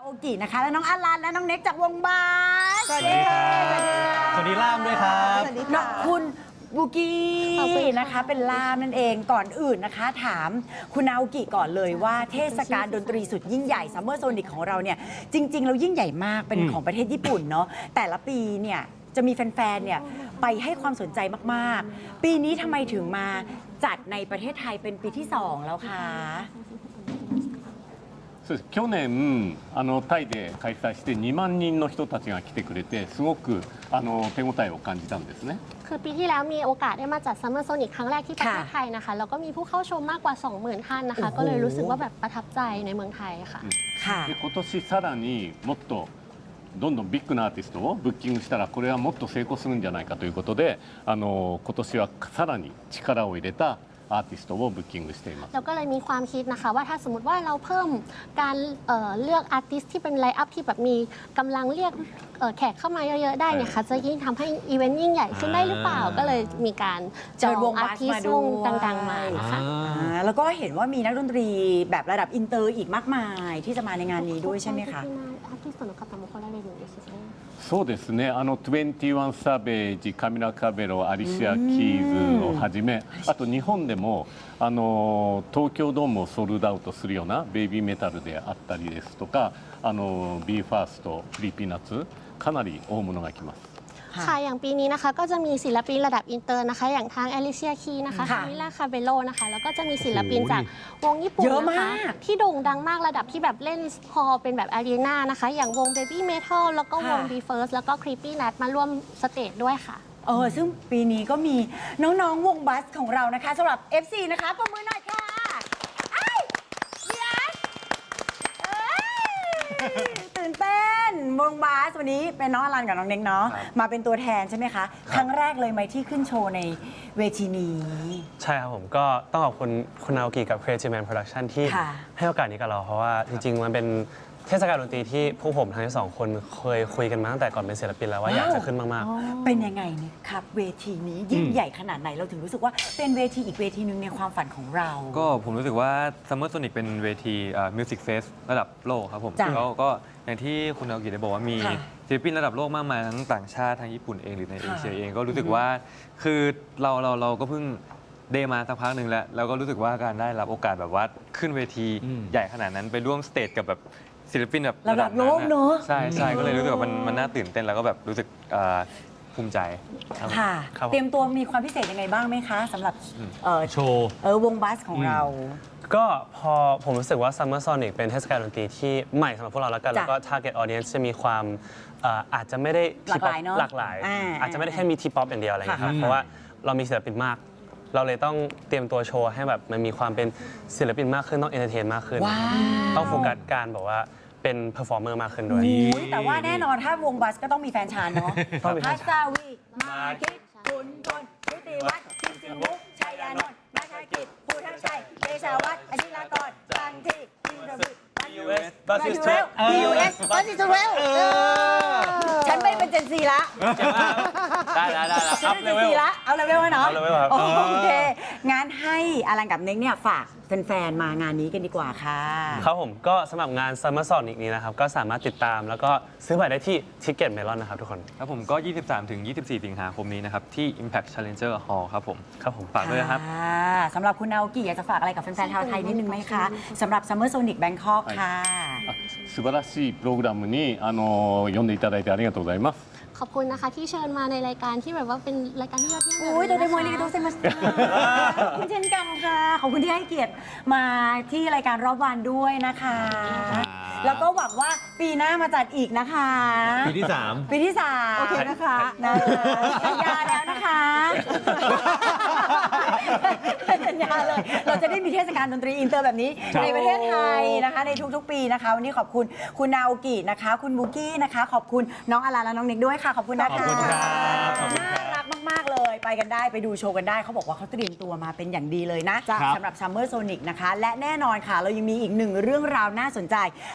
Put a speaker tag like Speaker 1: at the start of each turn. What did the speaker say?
Speaker 1: โอกินะคะและน้องอลันและน้องเน็กจากวงบาส
Speaker 2: สวัสดีครับสวัสดีล่ามด้วยครับ
Speaker 1: สวัสดีค่ะคุณบุกี้นะคะเป็นล่ามนั่นเองก่อนอื่นนะคะ ถามคุณนาโอกิก่อนเลยว่าเทศกาลดนตรีสุดยิ่งใหญ่ซัมเมอร์โซนิกของเราเนี่ยจริงๆเรายิ่งใหญ่มากเป็นของประเทศญี่ปุ่นเนาะแต่ละปีเนี่ยจะมีแฟนๆเนี่ยไปให้ความสนใจมากๆปีนี้ทำไมถึงมาจัดในประเทศไทยเป็นปีที่2แล้วคะ
Speaker 3: そうです去年タイで開催して2万人の人たちが来てくれてすごく手応えを感じたんですね。
Speaker 4: คือปีที่แล้วมีโอกาสได้มาจัดซัมเมอร์โซนิกครั้งแรกที่ประเทศไทยนะคะแล้วก็มีผู้เข้าชมมากกว่า 20,000 ท่านนะคะก็เลยรู้สึกว่าแบบประทับใจในเมืองไทยค่ะ
Speaker 1: ค่ะ
Speaker 3: で今年さらにもっとどんどんビッグなアーティストをブッキングしたらこれはもっと成功するんじゃないかということで今年はさらに力を入れたアーティストをブッキングしています。
Speaker 4: แล้วก็เลยมีความคิดนะคะว่าถ้าสมมติว่าเราเพิ่มการเลือกอาร์ติสที่เป็นไลน์อัพที่แบบมีกำลังเรียกแขกเข้ามาเยอะๆได้เนี่ยค่ะจะยิ่งทำให้อีเวนต์ยิ่งใหญ่ขึ้นได้หรือเปล่าก็เลยมีการจองอาร์ติสต์วงดังๆมานะคะ
Speaker 1: แล้วก็เห็นว่ามีนักดนตรีแบบระดับอินเตอร์อีกมากมายที่จะมาในงานนี้ด้วยใช่ไหมคะ
Speaker 4: アーティストの方も来られるんですね。
Speaker 3: そうですね21サベージカミラ・カベロアリシア・キーズをはじめあと日本でも東京ドームをソールドアウトするようなベイビーメタルであったりですとかビーファーストクリーピーナッツかなり大物が来ます。
Speaker 4: ค่ะอย่างปีนี้นะคะก็จะมีศิลปินระดับอินเตอร์นะคะอย่างทางแอลิเซียคีนะคะ
Speaker 1: ค่ะ
Speaker 4: คามิล่าคาเบโลนะคะแล้วก็จะมีศิลปินจากวงญี่ปุ่น
Speaker 1: เยอะ
Speaker 4: นะ
Speaker 1: มา
Speaker 4: คะ
Speaker 1: ก
Speaker 4: ที่โด่งดังมากระดับที่แบบเล่นฮอลล์เป็นแบบอารีนานะคะอย่างวง Baby Metal แล้วก็วง Be First แล้วก็ Creepy Nut มาร่วมสเตจด้วยค่ะ
Speaker 1: ซึ่งปีนี้ก็มีน้องๆวงบัสของเรานะคะสำหรับ FC นะคะประมือหน่อยค่ะไอ้ยัสตื่นเต้นวงบัสวันนี้เป็นน้องอลันกับน้องเน็กเนาะมาเป็นตัวแทนใช่ไหมคะ ครั้งแรกเลยไหมที่ขึ้นโชว์ในเวทีนี้
Speaker 2: ใช่ครับผมก็ต้องขอบคุณคุณนาโอกิกับ Creative Man Production ที่
Speaker 1: ค่ะ
Speaker 2: ให้โอกาสนี้กับเราเพราะว่าจริงๆมันเป็นเทศกาลดนตรีที่พวกผมทั้งสองคนเคยคุยกันมาตั้งแต่ก่อนเป็นศิลปินแล้วว่าอยากจะขึ้นมากๆ
Speaker 1: เป็นยังไงเนี่ยครับเวทีนี้ยิ่งใหญ่ขนาดไหนเราถึงรู้สึกว่าเป็นเวทีอีกเวทีหนึ่งในความฝันของเรา
Speaker 5: ก็ผมรู้สึกว่า Summer Sonic เป็นเวทีMusic Fest ระดับโลกครับผม
Speaker 1: จ้ะ
Speaker 5: แล้วก็อย่างที่คุณอากิได้บอกว่ามี
Speaker 1: ค่ะ
Speaker 5: ศิลปินระดับโลกมากมายทั้งต่างชาติทั้งญี่ปุ่นเองหรือในเอเชียเองก็รู้สึกว่าคือเราก็เพิ่งได้มาสักพักหนึ่งแล้วก็รู้สึกว่าการได้รับโอกาสแบบว่าขึ้นเวทีใหญ่ขนาดนั้นไปร่วมสเตจกับแบบศิลปินแบบ
Speaker 1: ระดับโลกเนอะ
Speaker 5: ใช่ก็เลยรู้สึกว่ามันน่าตื่นเต้นแล้วก็แบบรู้สึกภูมิใจครับ
Speaker 1: ค่ะ
Speaker 2: ครับผม
Speaker 1: เตรียมตัวมีความพิเศษยังไงบ้างไหมคะสำหรับ
Speaker 2: โชว์
Speaker 1: วงบัสของเรา
Speaker 2: ก็พอผมรู้สึกว่า Summer Sonic เป็นเทศกาลดนตรีที่ใหม่สำหรับพวกเราแล้วกัน
Speaker 1: จ้ะ
Speaker 2: แล้วก็ Target Audience จะมีความอาจจะไม่ได้
Speaker 1: หลากหลายเนอะ
Speaker 2: หลากหลาย อาจจะไม่ได้แค่มีทีป๊อปอย่างเดียวอะไรอย่างเงี้ยครับ
Speaker 1: ค่ะ
Speaker 2: เพราะว่าเรามีศิลปินมาก เราเลยต้องเตรียมตัวโชว์ให้แบบมันมีความเป็นศิลปินมากขึ้นต้องเอนเตอร์เทนมากขึ้น
Speaker 1: ว้าว
Speaker 2: ต้องโฟกัสการแบบว่าเป็นเพอร์ฟอร์เมอร์มากขึ้นด้วย
Speaker 1: อุ๊ยแต่ว่าแน่นอนถ้าวงบัสก็ต้องมีแฟนชานเนาะ
Speaker 2: ต้องมีแฟ
Speaker 1: พั
Speaker 2: น
Speaker 1: ส
Speaker 2: ชาน
Speaker 1: วีมาคิดคุณกลชุติวัฒน์ชิมจิมุกชัยยานนท์นักกิจภูทังชัยเดชาวัฒน์อธิรากรจันทีจินดาวิบัสยูเรล BUS บัสยูเรลฉันไม่เป็นเจนซีละ
Speaker 2: ได้อัพเลเวล
Speaker 1: เอาเลเวลไว้เนาะ
Speaker 2: เอาเลเวลครับ
Speaker 1: โอเค งั้นให้อลันกับเน็กเนี่ยฝากแฟนๆมางานนี้กันดีกว่าค่ะ
Speaker 2: ครับผมก็สำหรับงาน Summer Sonic นี้นะครับ ก็สามารถติดตามแล้วก็ซื้อบัตรได้ที่ Ticket Melon นะครับทุกคน
Speaker 5: ครับผมก็ 23 ถึง 24 สิงหาคมนี้นะครับที่ Impact Challenger Hall ครับผม
Speaker 2: ครับผม
Speaker 5: ฝากด้วยนะครับ
Speaker 1: สำหรับคุณนาโอกิอยากจะฝากอะไรกับแฟนๆชาวไทยนิดนึงไหมคะสำหรับ Summer Sonic Bangkok ค่ะ
Speaker 3: 素晴らしいプログラムに呼んでいただいてありがとうございます。
Speaker 4: ขอบคุณนะคะที่เชิญมาในรายการที่แบบว่าเป็นรายการที่ยอดเยี่ยม
Speaker 1: โอ้ย
Speaker 4: แบบ
Speaker 1: โด
Speaker 4: นี้
Speaker 1: เรมอน
Speaker 4: นะ
Speaker 1: ลิ
Speaker 4: คะ
Speaker 1: กาโตเซมัสขอบคุณเช่นกันค่ะ ขอบคุณที่ให้เกียรติมาที่รายการรอบวันด้วยนะคะ แล้วก็หวังว่าปีหน้ามาจัดอีกนะคะ
Speaker 6: ปีที่ 3
Speaker 1: ปีที่3โอเคนะคะสัญญาแล้วนะคะสัญญาเลย เราจะได้มีเทศกาลดนตรีอินเตอร์แบบนี้ ในประเทศไทยนะคะในทุกๆปีนะคะ วันนี้ขอบคุณคุณนาโอกินะคะ คุณบุกี้นะคะ ขอบคุณน้องอลันและน้องเน็กด้วยค่ะ ขอบคุณนะคะ
Speaker 6: ขอบคุณครับขอบคุณครับ
Speaker 1: น่ารักมาก ๆ เลย ไปกันได้ไปดูโชว์กันได้ เขาบอกว่าเขาเตรียมตัวมาเป็นอย่างดีเลยนะสำหรับ Summer Sonic นะคะ และแน่นอนค่ะ เรายังมีอีกหนึ่งเรื่องราวน่าสนใจ